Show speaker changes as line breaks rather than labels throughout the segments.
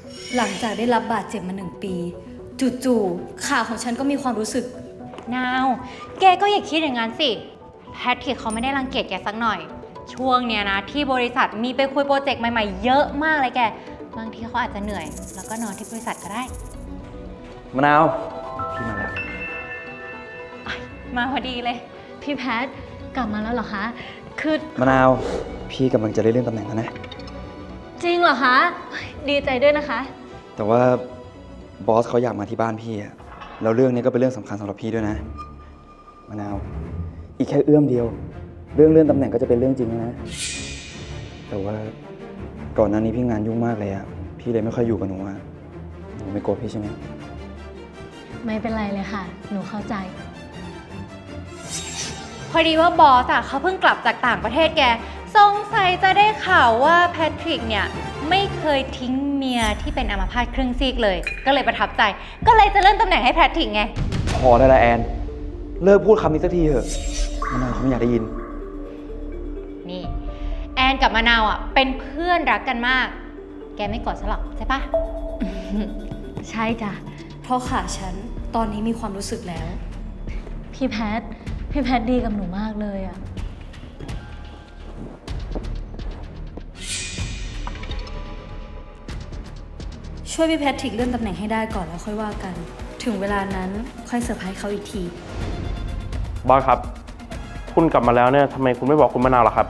หลังจากได้รับบาดเจ็บมา1 ปีจู่ๆขาของฉันก็มีความรู้สึก
นาว แกก็อย่าคิดอย่างนั้นสิแพทริกเขาไม่ได้รังเกียจแกสักหน่อยช่วงเนี้ยนะที่บริษัทมีไปคุยโปรเจกต์ใหม่ๆเยอะมากเลยแกบางทีเขาอาจจะเหนื่อยแล้วก็นอนที่บริษัทก็ได้
มะนาวพี่มาแล้ว
มาพอดีเลย
พี่แพทกลับมาแล้วเหรอคะคือ
มะนาวพี่กำลังจะได้เลื่อนตำแหน่งแล้วนะ
จริงเหรอคะดีใจด้วยนะคะ
แต่ว่าบอสเขาอยากมาที่บ้านพี่อะแล้วเรื่องนี้ก็เป็นเรื่องสำคัญสำหรับพี่ด้วยนะมะนาวอีกแค่เอื้อมเดียวเรื่องเลื่อนตำแหน่งก็จะเป็นเรื่องจริงแล้วนะแต่ว่าก่อนหน้านี้พี่งานยุ่งมากเลยอะพี่เลยไม่ค่อยอยู่กับหนูอะหนูไม่โกรธพี่ใช่ไหม
ไม่เป็นไรเลยค่ะหนูเข้าใจ
พอดีว่าบอสเขาเพิ่งกลับจากต่างประเทศแกสงสัยจะได้ข่าวว่าแพทริกเนี่ยไม่เคยทิ้งเมียที่เป็นอัมพาตครึ่งซีกเลยก็เลยประทับใจก็เลยจะเลื่อนตำแหน่งให้แพทริกไง
พอได้ละแอนเลิกพูดคำนี้สักทีเถอะมะนาวเขาไม่อยากได้ยิน
นี่แอนกับมะนาวเป็นเพื่อนรักกันมากแกไม่โกรธฉันหรอกใช่ปะ
ใช่จ้ะเพราะขาฉันตอนนี้มีความรู้สึกแล้วพี่แพทดีกับหนูมากเลยอะช่วยพี่แพทริกเลื่อนตำแหน่งให้ได้ก่อนแล้วค่อยว่ากันถึงเวลานั้นค่อยเซอร์ไพรส์เขาอีกที
บอสครับคุณกลับมาแล้วเนี่ยทำไมคุณไม่บอกคุณมะนาวล่ะครับ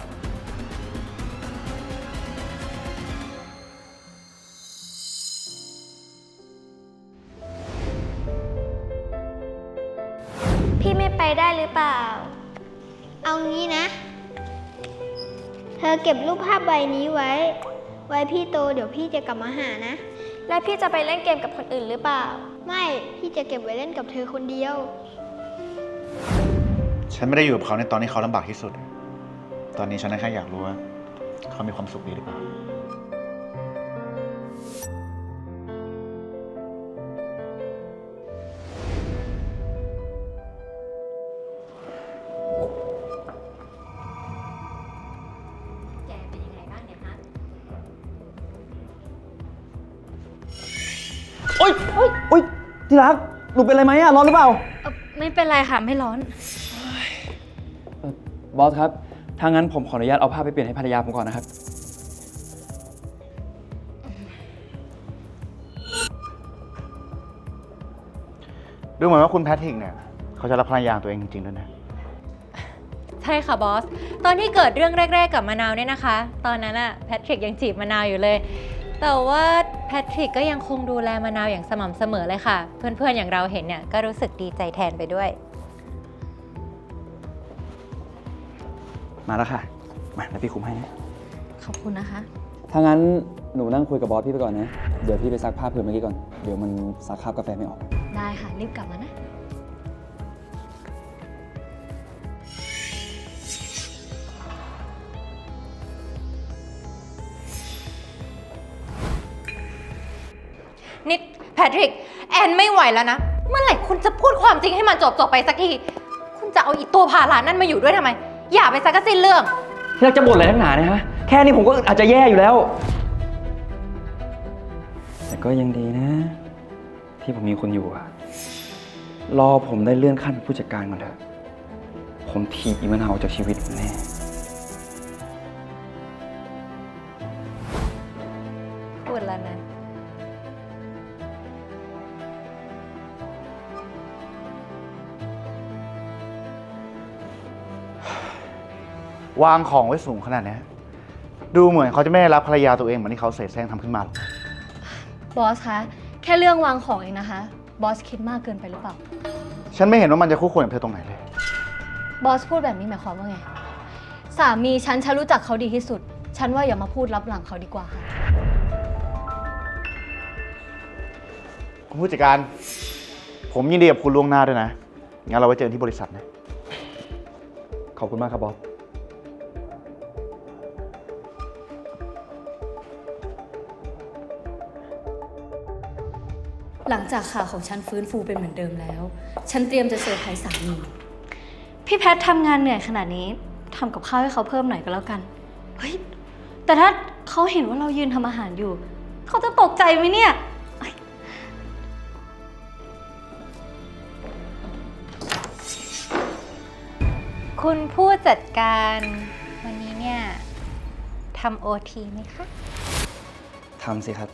พี่ไม่ไปได้หรือเปล่าเอางี้นะเธอเก็บรูปภาพใบนี้ไว้พี่โตเดี๋ยวพี่จะกลับมาหานะแล้วพี่จะไปเล่นเกมกับคนอื่นหรือเปล่าไม่พี่จะเก็บไว้เล่นกับเธอคนเดียว
ฉันไม่ได้อยู่กับเขาในตอนที่เขาลำบากที่สุดตอนนี้ฉันแค่อยากรู้ว่าเขามีความสุขดีหรือเปล่า
แกเป็นยังไงบ้างเนี่ยฮะ
โอ๊ยที่รักหนูเป็นอะไรไหมอะร้อนหรือเปล่า
ไม่เป็นไรค่ะไม่ร้อน
บอสครับถ้างั้นผมขออนุญาตเอาผ้าไปเปลี่ยนให้ภรรยาผมก่อนนะครับ
ดูเหมือนว่าคุณแพทริกเนี่ยเขาจะรักภรรยาตัวเองจริงๆด้วยนะ
ใช่ค่ะบอสตอนที่เกิดเรื่องแรกๆกับมะนาวเนี่ยนะคะตอนนั้นแพทริกยังจีบมะนาวอยู่เลยแต่ว่าแพทริกก็ยังคงดูแลมะนาวอย่างสม่ำเสมอเลยค่ะเพื่อนๆอย่างเราเห็นเนี่ยก็รู้สึกดีใจแทนไปด้วย
มาแล้วค่ะมาแล้วพี่คุมให้นะ
ขอบคุณนะคะ
ถ้างั้นหนูนั่งคุยกับบอสพี่ไปก่อนนะเดี๋ยวพี่ไปซักผ้าเผื่อเมื่อกี้ก่อนเดี๋ยวมันซักคราบกาแฟไม่ออก
ได้ค่ะรีบกลับมานะ
นิดแพทริกแอนไม่ไหวแล้วนะเมื่อไหร่คุณจะพูดความจริงให้มันจบไปสักทีคุณจะเอาอีตัวพาลานั่นมาอยู่ด้วยทำไมอย่าไปซักกะสิ้นเรื่อง
ที่รักจะบ่นอะไรนักหนาเนี่ยฮะแค่นี้ผมก็อาจจะแย่อยู่แล้วแต่ก็ยังดีนะ ที่ผมมีคุณอยู่อะรอผมได้เลื่อนขั้นเป็นผู้จัดการก่อนเถอะผมถีบอีมะนาวออกจากชีวิตผมแน่
พูดแล้วนะ
วางของไว้สูงขนาดนี้ดูเหมือนเขาจะไม่ได้รับภรรยาตัวเองเหมือนที่เขาเสแสร้งทำขึ้นมาหรอก
บอสคะแค่เรื่องวางของเองนะคะบอสคิดมากเกินไปหรือเปล่า
ฉันไม่เห็นว่ามันจะคู่ควรกับเธอตรงไหนเลย
บอสพูดแบบนี้หมายความว่าไงสามีฉันรู้จักเขาดีที่สุดฉันว่าอย่ามาพูดลับหลังเขาดีกว่าค่ะ
คุณผู้จัดการผมยินดีกับคุณล่วงหน้าด้วยนะงั้นเราไว้เจอกันที่บริษัทนะ
ขอบคุณมากครับบอส
หลังจากขาของฉันฟื้นฟูเป็นเหมือนเดิมแล้วฉันเตรียมจะเซอร์ไพรส์สามีพี่แพททำงานเหนื่อยขนาดนี้ทำกับข้าวให้เขาเพิ่มหน่อยก็แล้วกันเฮ้ยแต่ถ้าเขาเห็นว่าเรายืนทำอาหารอยู่เขาจะตกใจไหมเนี่ย
คุณผู้จัดการวันนี้เนี่ยทำโอทีไหมคะ
ทำสิครับ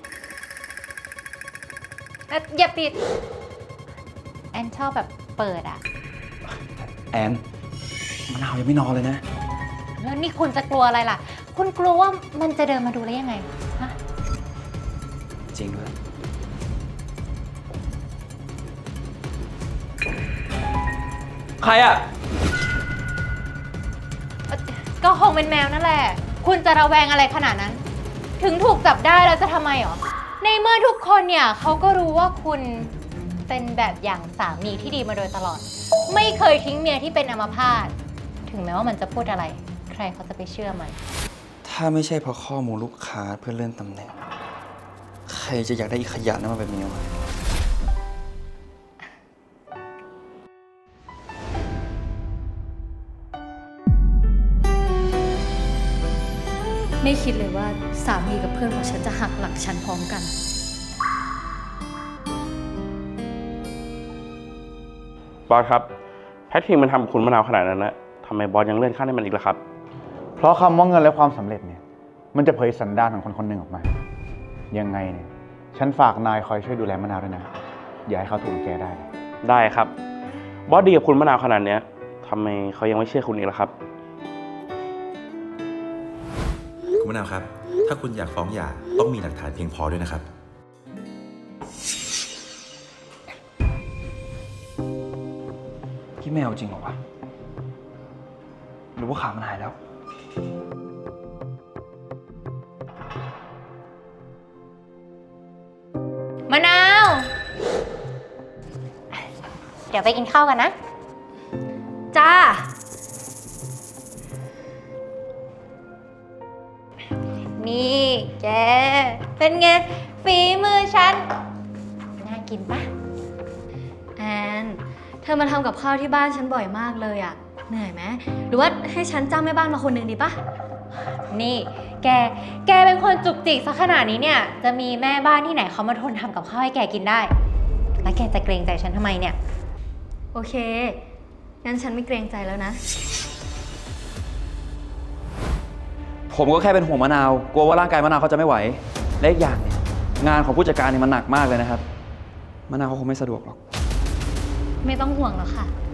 อย่าปิด แอนชอบแบบเปิดอะ
แอนมะนาวยังไม่นอนเลยนะ
แล้วนี่คุณจะกลัวอะไรล่ะ คุณกลัวว่ามันจะเดินมาดูแล้วยังไงฮะ
จริงด้วย ใครอ่ะ
ก็คงเป็นแมวนั่นแหละ คุณจะระแวงอะไรขนาดนั้น ถึงถูกจับได้แล้วจะทำไมหรอ ในเมื่อทุกคนเนี่ยเขาก็รู้ว่าคุณเป็นแบบอย่างสามีที่ดีมาโดยตลอด ไม่เคยทิ้งเมียที่เป็นอัมพาต ถึงแม้ว่ามันจะพูดอะไร ใครเขาจะไปเชื่อมัน
ถ้าไม่ใช่เพราะข้อมูลลูกค้าเพื่อเลื่อนตำแหน่ง ใครจะอยากได้อีขยะนั้นมาเป็นเมียวะ
ไม่คิดเลยว่าสามีกับเพื่อนของฉันจะหักหลังฉันพร้อมกัน
บอสครับ แพทริกมันทำกับคุณมะนาวขนาดนั้นนะทำไมบอสยังเลื่อนขั้นให้มันอีกล่ะครับ
เพราะคำว่าเงินและความสำเร็จเนี่ย มันจะเผยสันดานของคนคนหนึ่งออกมา ยังไงเนี่ย ฉันฝากนายคอยช่วยดูแลมะนาวด้วยนะ อย่าให้เขาถูกรังแกได้
ได้ครับ บอสดีกับคุณมะนาวขนาดเนี้ยทำไมเขายังไม่เชื่อคุณอีกล่ะครับ
คุณมะนาวครับ ถ้าคุณอยากฟ้องหย่าต้องมีหลักฐานเพียงพอด้วยนะครับ
พี่ไม่เอาจริงเหรอวะ หรือว่าขามันหายแล้ว
มะนาว เดี๋ยวไปกินข้าวกันนะ
จ้า
นี่แก เป็นไง ฝีมือฉัน น่ากินปะ
แอน เธอมาทำกับข้าวที่บ้านฉันบ่อยมากเลยอะเหนื่อยไหม หรือว่าให้ฉันจ้างแม่บ้านมาคนหนึ่งดีปะ
นี่ แกเป็นคนจุกจิกซะขนาดนี้เนี่ย จะมีแม่บ้านที่ไหนเขามาทนทำกับข้าวให้แกกินได้ แล้วแกจะเกรงใจฉันทำไมเนี่ย
โอเค งั้นฉันไม่เกรงใจแล้วนะ
ผมก็แค่เป็นห่วงมะนาว กลัวว่าร่างกายมะนาวเขาจะไม่ไหว และอีกอย่างเนี่ย งานของผู้จัดการเนี่ยมันหนักมากเลยนะครับ มะนาวเขาคงไม่สะดวกหรอก
ไม่ต้องห่วงหรอกค่ะ